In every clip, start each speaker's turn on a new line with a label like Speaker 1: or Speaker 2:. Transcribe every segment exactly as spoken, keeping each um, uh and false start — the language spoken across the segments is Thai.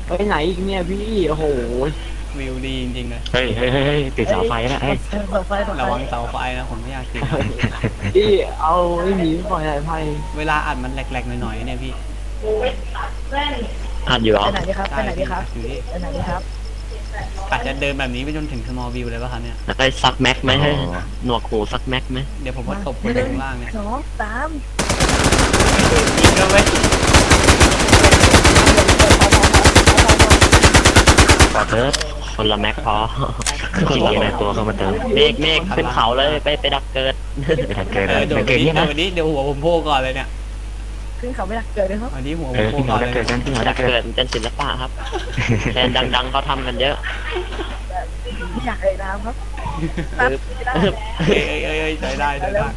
Speaker 1: ไปไหนอีกเนี่ยพี่โอ้โห
Speaker 2: วิวดีจริงๆเลย
Speaker 3: เฮ้ยเฮ้ยเฮ้ยติดเสาไฟนะเฮ้ย
Speaker 4: เสาไฟเสาไฟ
Speaker 2: ระวังเสาไฟนะผมไม่อยากติด
Speaker 1: พี่เอาไอ้หมีปล่อยสายไฟ
Speaker 2: เวลาอัดมันแหลกๆหน่อยๆเนี่ยพี่
Speaker 3: อัดอยู่เหรอ
Speaker 4: ไปไหนดีครับไปไหนดีครับ
Speaker 2: อยู่นี่
Speaker 4: ไปไหนดีครับ
Speaker 2: อาจจะเดินแบบนี้ไปจนถึง small view เลยป่ะครับเนี่ย
Speaker 3: ได้ซักแม็กไหมให้หนวกหูซักแม็กไหม
Speaker 2: เดี๋ยวผมว่าตบคนอยู่ข้างล่างเนี่ย
Speaker 4: สองสาม
Speaker 2: ยิงกันเว้ย
Speaker 3: ขอเติร์คนละแม็กพอคนละในตัวเข้ามาเติมเมฆเมฆขึ้นเขาเลยไปไปดักเกิดไปดักเกิด
Speaker 2: เออโดด
Speaker 3: เกิด
Speaker 2: นี้
Speaker 3: นี่
Speaker 2: โด
Speaker 3: นะ
Speaker 2: ดนี้เดี๋ยวหัวผมโผล่ก่อนเลยเนี่ย
Speaker 4: ขึ้นเขาไม่รักเกิดเลยครับ
Speaker 2: วันนี้หัวผ
Speaker 3: เอ
Speaker 2: ม
Speaker 3: อ
Speaker 2: โผล่
Speaker 3: ขึ้น
Speaker 2: ก่อ
Speaker 3: เขา
Speaker 2: น
Speaker 3: ดัก
Speaker 2: เลย
Speaker 3: เกิดกันขึ้นเขาดักเกิดเป็นศิลปะครับแทนดังๆเขาทำกันเยอะ
Speaker 4: ไม่อยากเอ่ยนามครับ
Speaker 3: เออ
Speaker 2: เอ้ยเอ้ยเอ้ยเอ้ยใช้ได้ใช้ได้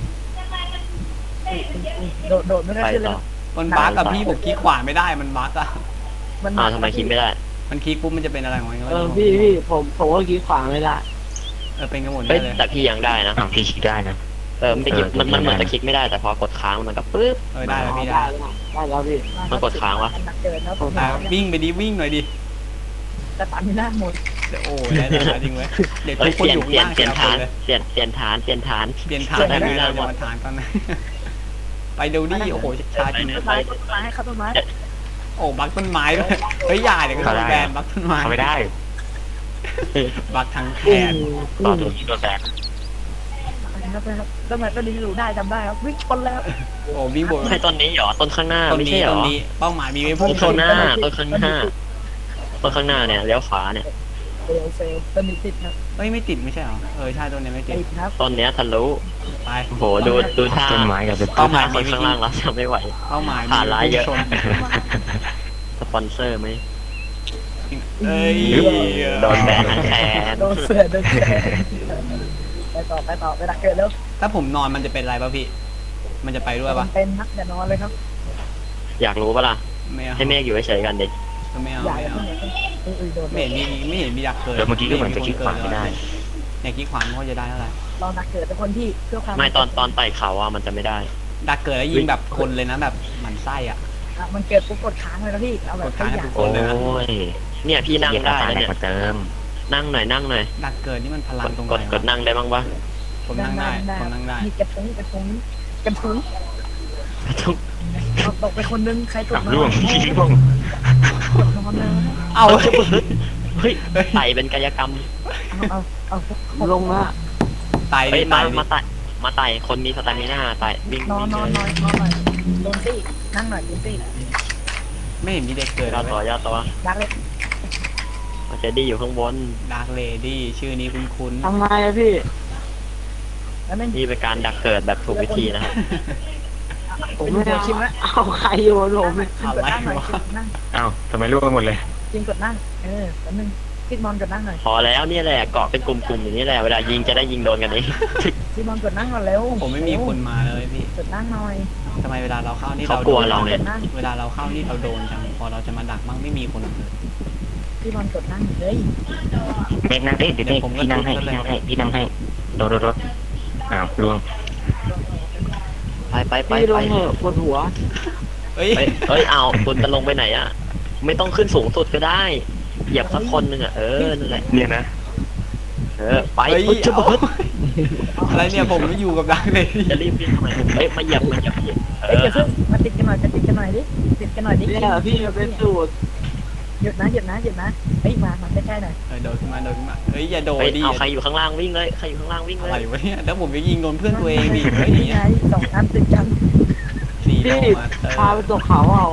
Speaker 4: โดดโดดไม่ได้
Speaker 3: ไป
Speaker 4: ขึ้นเล
Speaker 3: ต่
Speaker 4: ย
Speaker 3: อ
Speaker 2: มันบั๊กกับพี่ผมคลิกขวาไม่ได้มันบั๊กอะ
Speaker 4: มัน
Speaker 3: อ้าวทำไมคิดไม่ได้
Speaker 2: มันคลิกปุ๊บมันจะเป็นอะไรของมันก็
Speaker 1: เอ
Speaker 2: ไม่
Speaker 1: อ
Speaker 2: รู้
Speaker 1: พี่พี่ผมผมก็คิดขวางไม่ได้
Speaker 2: เออเป็นกันหมด
Speaker 3: เฮ้ย
Speaker 2: เลย
Speaker 3: แต่พี่ยังได้นะพี่คิดได้นะเออมันมันมันมันจะคลิกไม่ได้แต่พอกดค้างมันก็ปึ๊บ
Speaker 2: เออได้แล้วพี่
Speaker 1: ได้
Speaker 2: ได้
Speaker 1: แล้วได้แล้วพี่
Speaker 3: มันกดค้างวะ
Speaker 4: รักเกิดครับผม
Speaker 2: อ่ะวิ่งไปดิวิ่งหน่อยดิ
Speaker 4: แต่ตันไม่น่าหมด
Speaker 2: เดี๋ยวโอ้ยได้แต่จริงเว้ยเดี๋ยว
Speaker 3: เฮ้
Speaker 2: ทุ
Speaker 3: ย
Speaker 2: กคน
Speaker 3: เปลี่ย
Speaker 2: อน ยู่
Speaker 3: เปลี่ย
Speaker 2: ข้าน ง
Speaker 3: เปลี่ยน
Speaker 2: ล่าง
Speaker 3: ฐานเปลี่ยนเปลี่ยนฐานเปลี่ยนฐาน
Speaker 2: เปลี่ยนฐานได้ไหมเราจะมาฐานตอนนั้นไปเดี๋ยวดิโอ้โหช้าจริง
Speaker 4: ต้นไม้ต้นไม้ครับต้นไม้
Speaker 2: โอ้บั๊กต้นไม้ด้วยเฮ้ยอย่าเดี๋ยวก็โดนแบนบั๊กต้นไม้
Speaker 3: เขาไม่ได้
Speaker 2: บั๊กทั้งแขน
Speaker 3: ต่อตัวที่โดนแบน
Speaker 4: ครับครับต้นไม้ต้นนี้รู้ได้จำได้ครับวิ่งชนแล้ว
Speaker 2: โอ้วิ่งบน
Speaker 3: ไม่ต้นนี้เหรอต้นข้างหน้า
Speaker 2: ต้น
Speaker 3: ไม่
Speaker 2: นี้
Speaker 3: ใช่เหร
Speaker 2: ต้
Speaker 3: อน
Speaker 2: นี้เป้าหมายมีไว้พุ่
Speaker 3: ต้
Speaker 2: ง
Speaker 3: น
Speaker 2: ช
Speaker 3: ข้าน งหน้าต้นข้างหน้าต้นข้างหน้าเนี่ยเลี้ยวขวาเนี่ย
Speaker 4: เฟลเฟลต้นนี้ติดครับ
Speaker 2: เฮ้ยไม่ติดไม่ใช่เหรอเออใช่ต้นนี้ไม่ติด
Speaker 4: ติดครับ
Speaker 3: ต้นเนี้ยทะลุ
Speaker 2: ไป
Speaker 3: โอ้โหดูดูท่า
Speaker 5: ต้นไม้กับเป็น
Speaker 3: เป้าหมายคนข้างล่างแล้วจะไม่ไหว
Speaker 2: เป้าหมายมี
Speaker 3: ผ่านร้ายเยอะ
Speaker 2: พุ่งชน
Speaker 3: สปอนเซอร์ไหม
Speaker 2: เอ้ย
Speaker 3: โดนแบนทั้งแขน
Speaker 4: โดนเสือโดนเสือไปต่อไปต่อไปรักเกิดแล้ว
Speaker 2: ถ้าผมนอนมันจะเป็นอะไรป่ะพี่ มันจะไปด้วยป่ะ
Speaker 4: เป็นนักอย่านอนเลยครับ
Speaker 3: อยากรู้ปะล่ะ
Speaker 2: ไม่เอา
Speaker 3: ให้เมฆอยู่เฉยๆกันดิ
Speaker 2: ไม่เอา
Speaker 4: อย่า
Speaker 2: ไม่
Speaker 4: อย่า
Speaker 2: เอา
Speaker 4: เพิ่งเออโดน
Speaker 2: ไม่เห็นมีไม่เห็นมีดักเกิด
Speaker 5: แล้วเมื่อกี้ก็เหมือนจะคิดขวางไม่ได้
Speaker 2: เนี่ยคิดขวางเขาจะได้เท่าไหร่
Speaker 4: ลองนักเกิดเป็นคนที่เพื่อความ
Speaker 3: ไม่ตอนตอนไต่เขาอ่ะมันจะไม่ได้
Speaker 2: ดักเกิดแล้วยิงแบบคนเลยนะแบบหมันไส้อ่ะ
Speaker 4: มันเกิดปุ๊บกดค้างเลยนะพี่เอาแบบไม่อยาก
Speaker 3: โอ้ยเนี่ยพี่นั่งได้แล้ว
Speaker 5: เนี่
Speaker 3: เนี่ย ย
Speaker 5: มาเติม
Speaker 3: นั่งหน่อยนั่งหน่อย
Speaker 2: ดักเกิดนี่มันพลั
Speaker 3: ก
Speaker 2: ง
Speaker 3: ด
Speaker 2: ตรงไห
Speaker 3: ก
Speaker 2: น
Speaker 3: ดกดนั่งได้บ้างปะ
Speaker 2: ผมนั่งได้ผมนั่งได้
Speaker 4: มีกระทุ้งกระทุ้งกระทุ้ง
Speaker 3: ทุก
Speaker 4: ตกไปคนนึงใครต
Speaker 5: กลั
Speaker 4: ก
Speaker 5: บ
Speaker 4: มา
Speaker 5: ร่วงร่วง
Speaker 4: นอนเลย
Speaker 2: เอา
Speaker 3: เฮ้ยไต่เป็นกายกรรม
Speaker 4: เอาเอาเอา
Speaker 1: ลงละ
Speaker 2: ไต
Speaker 3: เฮ้ย
Speaker 2: ไต
Speaker 3: มามาไต่มาไต่คนมีสตามิน่าไต่วิ่ง
Speaker 4: นอนนอนนอนนอนหน่อยโดนตี้นั่งหน่อยโดนตี้
Speaker 2: ไม่เห็นมีเด็กเกิด
Speaker 3: ยอดต่อยอดต่อ
Speaker 4: ดักเลย
Speaker 3: มันจะดีอยู่ข้างบน
Speaker 2: ดาร์กเลดี้ชื่อนี้คุ้น
Speaker 1: ทำไงอะพี่
Speaker 4: แล้วนั่น
Speaker 3: นี่เป็นการดักเกิดแบบถูกวิธีนะครับ
Speaker 1: ผมไม่เอาเอาใครอยู่บนผม
Speaker 2: ๆอะไร
Speaker 4: กดนั่งหน่อยว
Speaker 2: ะ
Speaker 4: กดนั่ง
Speaker 5: อ้าวทำไมร่วงกันหมดเลย
Speaker 4: จริงกดนั่งเออแป๊บนึงพี่มอนกดนั่งหน่อย
Speaker 3: พอแล้วเนี่ยแหละเกาะเป็นกลุ่มๆอย่างนี้แหละเวลายิงจะได้ยิงโดนกันเอง
Speaker 4: พี่มอนกดนั่งก่อนเร็ว
Speaker 2: ผมไม่มีคนมาเลยพี่
Speaker 4: กดนั่งหน่อย
Speaker 2: ทำไมเวลาเราเข้านี่
Speaker 3: เขา
Speaker 2: เรา
Speaker 3: กลัว
Speaker 2: โดน
Speaker 3: เราไง
Speaker 4: กดนั่ง
Speaker 2: เวลาเราเข้านี่เราโดนจังพอเราจะมาดักมั่งไม่มีคนเลย
Speaker 4: พี่มอนกดนั่งเลย
Speaker 5: เมฆนั่งดิเดี๋ยวเมฆพี่นั่งให้พี่นั่งให้พี่นั่งให้โดดโดดโดดอ้าวร่วง
Speaker 3: ไปไปไป
Speaker 1: พี่ล
Speaker 3: ไป
Speaker 1: งเหอะปวดหัว
Speaker 2: เฮ้ย
Speaker 3: เฮ้ยเฮ้ยเอาคุณจะลงไปไหนอ่ะ ไม่ต้องขึ้นสูงสุดก็ได้ เหยียบสักคนหนึ่งอ่ะ เออ นั่นแหละ
Speaker 5: เนี่ยนะ
Speaker 3: เออ ไป
Speaker 2: เฮ้ย
Speaker 3: เฮ้ยจะ
Speaker 2: เอา
Speaker 3: เบิด
Speaker 2: อะไรเนี่ยผมไม่อยู่กับดักเลย
Speaker 3: จะรีบวิ่งทำไมเฮ้ย มาเหยียบมาเหยียบเอ
Speaker 4: เอ้ย
Speaker 3: อ
Speaker 4: เดี๋ยวเพิ่งมาติดกันหน่อยจะติดกันหน่อยดิติดกันหน่อยดิ
Speaker 1: เนี่ยพี่มันเป็นสูตร
Speaker 4: หยุดนะหยุดนะหยุดนะเฮ้ยมามาใกล้ๆหน่อย
Speaker 2: เออโดดขึ้นมาโดดขึ้นมาเฮ้ยอย่าโดด
Speaker 3: เฮ้ย
Speaker 2: ดิ
Speaker 3: เอาใครอยู่ข้างล่างวิ่งเลย ใครอยู่ข้างล่างวิ่ง
Speaker 2: อะ
Speaker 3: เล
Speaker 2: ไร
Speaker 3: ยว
Speaker 2: ะเนี่ยแล้วผมจะยิงโดนเพื่อนตัวเองดิเฮ้ย
Speaker 4: นี่ไงสองอันติดกัน
Speaker 2: สีโด
Speaker 1: พี่
Speaker 2: มาเตอ
Speaker 1: พาไป
Speaker 2: ร์
Speaker 1: ตกเขาเอา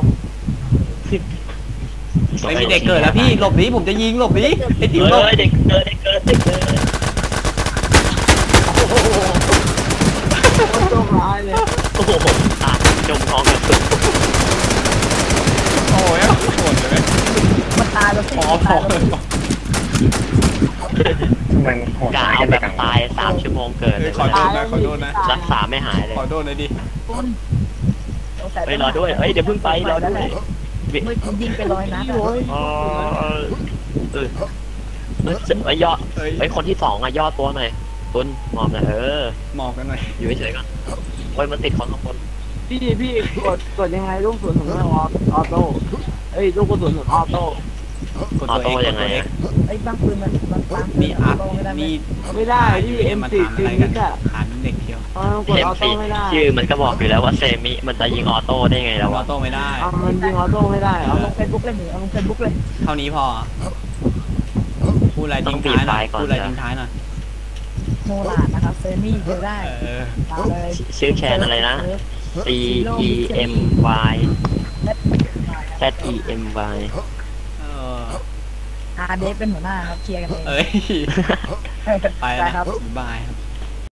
Speaker 2: ไม่มีเด็กเกิดแล้วพี่หลบหนีผมจะยิงหลบหนีไอ้ติ๋วหลบ
Speaker 3: เฮ้ยเด็กเกิดเด็กเกิดเด็กเกิด
Speaker 1: โดนร้ายเลย
Speaker 3: โอ้โหตายจมท้องกับสุด
Speaker 2: โอ้ยโหดเลย
Speaker 4: มันตายแล้วสิ
Speaker 2: พอพ
Speaker 4: ตา
Speaker 2: อย
Speaker 4: แล้ว
Speaker 5: มันโหด
Speaker 3: กา
Speaker 5: ร้าย
Speaker 3: เอา
Speaker 5: กัน
Speaker 3: แบ
Speaker 5: ไป
Speaker 3: บ
Speaker 5: กัน
Speaker 3: ตายสามชั่วโมงเกิดเลย
Speaker 2: ขอโทษนะขอโทษนะ
Speaker 3: รักษาไม่หายเลย
Speaker 2: ขอโทษหน่อยดิ
Speaker 4: คุณสงสั
Speaker 3: เฮ้ยรอด้วยเฮ้ยเดี๋ยวเพิ่งไปรอด้วย
Speaker 4: เมื่อกี้ยิงไปร้อยนัดอะ
Speaker 3: อ๋อเออเออไอ้ยอดไอ้คนที่สองอะยอดตัวหน่อยตุนมอบหน่อยเออ
Speaker 2: หมอบกันหน่อย
Speaker 3: อยู่เฉยๆก่อนโอ้ยมันติดคนข้างบน
Speaker 1: พี่พี่กดกดยังไงลูกกระสุนของเราออโต้เอ้ยลูกกระสุนของออโต้
Speaker 2: กดตัว
Speaker 3: ออ
Speaker 2: เอ
Speaker 3: โต้
Speaker 2: กด
Speaker 3: ยังไง
Speaker 2: ตัวเอ
Speaker 3: อะ
Speaker 2: ก
Speaker 4: ไอ้บางปืนมันบางบางปืน
Speaker 2: นี่อัพ
Speaker 4: ไม่ได้ไม่
Speaker 2: นี่
Speaker 1: ไม่ได้ที่เอ็ม
Speaker 2: มา
Speaker 1: สี่
Speaker 2: ถาม
Speaker 1: ซี
Speaker 2: อะไร
Speaker 1: นิ
Speaker 2: กัน
Speaker 1: ดอะ
Speaker 2: ขานเด็กเดียว
Speaker 1: อ๋อกด
Speaker 3: เอ็
Speaker 1: อ
Speaker 3: ม
Speaker 1: อโต้
Speaker 3: ซี
Speaker 1: ไม่ได้
Speaker 3: ชื่อมันก็บอกอยู่แล้วว่าเซมิมันจะยิงออโต้ได้ไงแล้ว
Speaker 2: ออ
Speaker 3: วะ
Speaker 2: โต้ไม่ได้
Speaker 1: เอามันยิงออโต้ไม่ได้เหร
Speaker 4: เอา
Speaker 1: อ
Speaker 4: ลงเฟซบุ๊กเลยหนิเอาลงเฟซบุ๊กเลย
Speaker 2: เท่านี้พอพูดอะไรทิ้งท้ายหน่อยพูดอะไรทิ้งท้ายหน่อย
Speaker 4: โนลาดนะครับเซมี่เจอได้
Speaker 2: เออ
Speaker 4: ตามเลย
Speaker 3: ชื่อแคนอะไรนะ C E M Y Z E M Y
Speaker 2: เออ
Speaker 4: อาเดฟเป็นหัวหน้าครับเคลียร์กันเอง
Speaker 2: เอ้ย ไป
Speaker 4: ได้
Speaker 2: แล้ว
Speaker 4: ครับ
Speaker 2: บ๊ายบายครับ